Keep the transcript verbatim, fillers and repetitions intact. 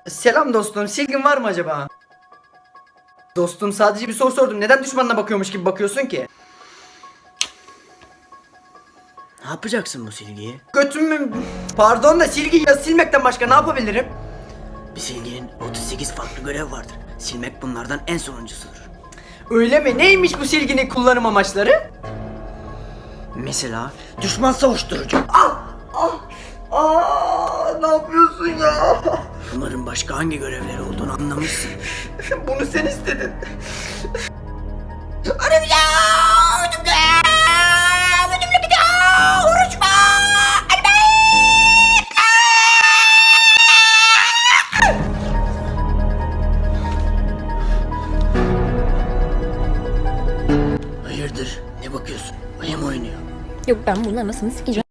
Selam dostum, silgin var mı acaba? Dostum sadece bir soru sordum. Neden düşmanına bakıyormuş gibi bakıyorsun ki? Ne yapacaksın bu silgiyi? Götümü... Pardon da silgi ya silmekten başka ne yapabilirim? Bir silginin otuz sekiz farklı görev vardır. Silmek bunlardan en sonuncusudur. Öyle mi? Neymiş bu silginin kullanım amaçları? Mesela düşman savuşturucu. Aa, ne yapıyorsun ya? Bunların başka hangi görevleri olduğunu anlamışsın. Bunu sen istedin. Hayırdır? Ne bakıyorsun? Ayı mı oynuyor? Yok ben bunun anasını sikeceğim.